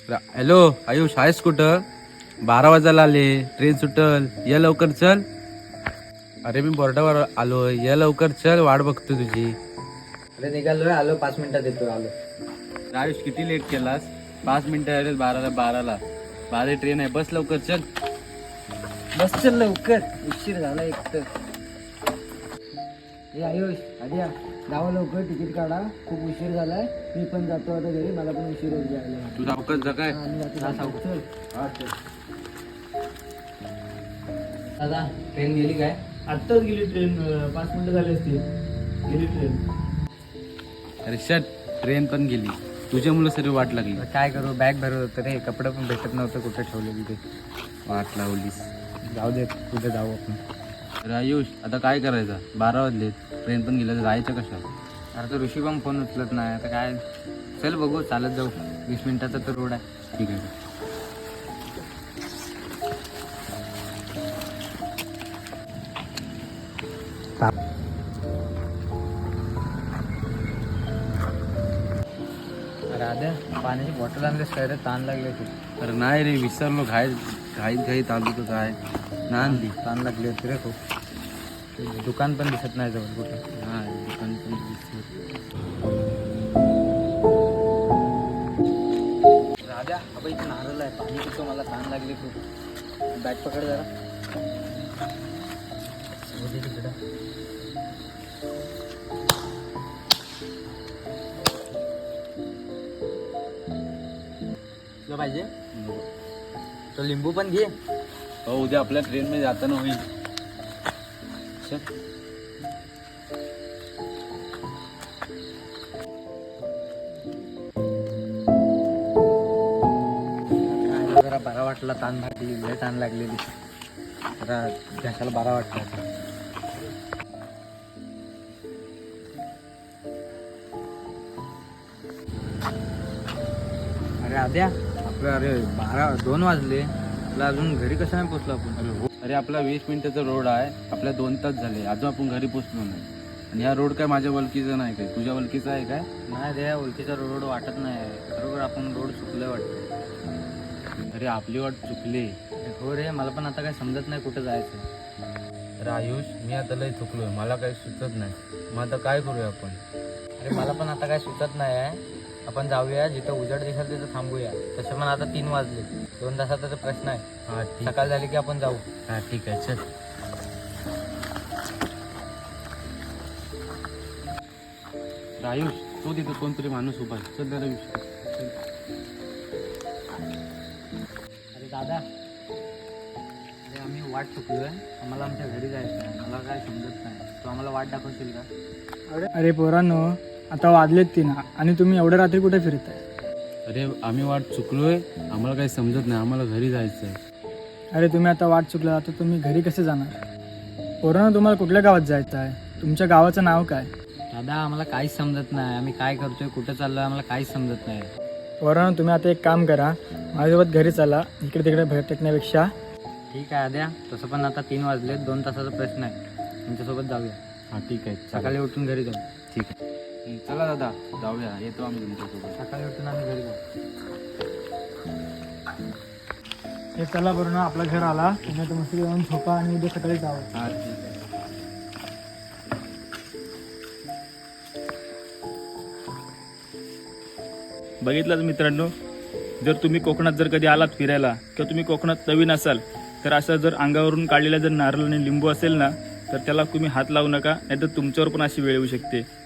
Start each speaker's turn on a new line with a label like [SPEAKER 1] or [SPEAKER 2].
[SPEAKER 1] Hello Ayush आहेस कुठं? 12 वाजायला आले, ट्रेन सुटल, ये लवकर चल. अरे मी बोर्डावर आलोय, ये लवकर चल, वाट बघतो तुझी.
[SPEAKER 2] अरे निघालोय, आलो 5 मिनिटात येतो. आलो.
[SPEAKER 1] आयुष किती लेट केलास? 5 मिनिटं आले 12ला. 12 ट्रेन आहे, बस लवकर चल.
[SPEAKER 2] बस चल लवकर, उशीर झाला एक तर. हे आयुष आधी जावं लवकर, तिकीट काढा, खूप उशीर झालाय. मी पण जातो आता घरी, मला पण उशीर होत जायला.
[SPEAKER 1] तू सावकाश जा काय?
[SPEAKER 2] चल. दादा ट्रेन गेली काय?
[SPEAKER 3] आत्ताच गेली ट्रेन, 5 मिनिटं झाली असतील. गेली ट्रेन.
[SPEAKER 1] अरे शट, ट्रेन पण गेली. तुझ्यामुळे सर्व वाट लागली.
[SPEAKER 2] काय करू, बॅग भरत होतं रे, कपडे पण भेटत नव्हतं कुठे ठेवलेली ते.
[SPEAKER 1] वाट लावलीस.
[SPEAKER 2] जाऊ दे, कुठे जाऊ आपण.
[SPEAKER 1] अरे आयुष आता काय करायचं? 12 वाजले, ट्रेन पण गेलं, जायचं कशा?
[SPEAKER 2] अरे तर ऋषी पण फोन उचलत नाही. आता काय, चल बघू, चालत जाऊ. 20 मिनिटाचा तर रोड आहे.
[SPEAKER 1] ठीक आहे.
[SPEAKER 2] अरे आद्या, पाण्याची बॉटल आणलीस काय रे? ताण लागले खूप.
[SPEAKER 1] अरे नाही रे, विसरलो. घाईत आलो तर काय ना आणली.
[SPEAKER 2] ताण लागले होते रे खूप. दुकान पण दिसत नाही जवळ कुठे.
[SPEAKER 1] नाही दुकान पण दिसलं.
[SPEAKER 2] राजा अबा इथे नारळ आहे, पाणी पितो, मला ताण लागली खूप. बॅग पकड जरा. तिकडं तुला पाहिजे तो लिंबू पण घे.
[SPEAKER 1] हो, उद्या आपल्या ट्रेन मध्ये जाताना होईल. चल.
[SPEAKER 2] जरा बरा वाटला, ताण लागली, लय ताण लागलेली. जरा घशाला बरा वाटला. अरे आद्या, आपलं अरे 2 वाजले, तुला अजून घरी कसं नाही पोचलो आपण?
[SPEAKER 1] अरे आपला 20 मिनिटाचा रोड आहे, आपल्या 2 तास झाले, अजून आपण घरी पोचलो नाही. आणि हा रोड काय माझ्या वलकीचा नाही काय, तुझ्या वलकीचा आहे काय?
[SPEAKER 2] नाही रे, ओळखीचा रोड वाटत नाही. बरोबर आपण रोड चुकलं वाटतं.
[SPEAKER 1] अरे आपली वाट चुकली.
[SPEAKER 2] हो रे, मला पण आता काय समजत नाही कुठं जायचं.
[SPEAKER 1] अरे आयुष, मी आता लय चुकलोय, मला काही सुचत नाही. मग आता काय करूया आपण?
[SPEAKER 2] अरे मला पण आता काय सुचत नाही आहे. आपण जाऊया, जिथं उजेड दिसेल तिथं थांबूया. तसं पण आता 3 वाजले, 2 तासाचा तर प्रश्न आहे.
[SPEAKER 1] हा ठीक.
[SPEAKER 2] सकाळ झाली की आपण जाऊ.
[SPEAKER 1] हा ठीक आहे, चल. आयुष, तो तिथं कोणतरी माणूस उभा आहे, चल जरा विचार.
[SPEAKER 2] अरे दादा, अरे आम्ही वाट चुकलोय, आम्हाला आमच्या घरी जायचं आहे. मला काय समजत नाही, तू आम्हाला वाट दाखवशील का?
[SPEAKER 3] अरे पोरांनो, आता वाजलेत 3 आणि तुम्ही एवढ्या रात्री कुठे फिरताय?
[SPEAKER 1] अरे आम्ही वाट चुकलोय, आम्हाला काही समजत नाही, आम्हाला घरी जायचं आहे.
[SPEAKER 3] अरे तुम्ही आता वाट चुकला, आता तुम्ही घरी कसे जाणार? पोरांनो, तुम्हाला कुठल्या गावात जायचं आहे? तुमच्या गावाचं नाव काय?
[SPEAKER 2] दादा आम्हाला काहीच समजत नाही. आम्ही काय करतोय, कुठं चाललोय, आम्हाला काहीच समजत नाही.
[SPEAKER 3] पोरांनो, तुम्ही आता एक काम करा, माझ्यासोबत घरी चला. इकडे तिकडे भटकण्यापेक्षा.
[SPEAKER 2] ठीक आहे आद्या, तसं पण आता 3 वाजले, 2 तासाचा प्रश्न आहे. तुमच्यासोबत जाऊया.
[SPEAKER 1] हा ठीक आहे,
[SPEAKER 2] सकाळी उठून घरी जाऊ.
[SPEAKER 1] ठीक आहे. चला दादा, जाऊया, येतो आम्ही तुमच्यासोबत.
[SPEAKER 2] सकाळी उठून आम्ही घरी जाऊ.
[SPEAKER 3] हे चला बरं ना, आपलं घर आला. तुम्ही आता मस्त जाऊन झोपा आणि उद्या सकाळी जावं.
[SPEAKER 1] हा ठीक आहे.
[SPEAKER 4] बघितलंच मित्रांनो, जर तुम्ही कोकणात जर कधी आलात फिरायला किंवा तुम्ही कोकणात नवीन असाल तर असं जर अंगावरून काढलेला जर नारळ आणि लिंबू असेल ना, तर त्याला तुम्ही हात लावू नका, नाहीतर तुमच्यावर पण अशी वेळ येऊ शकते.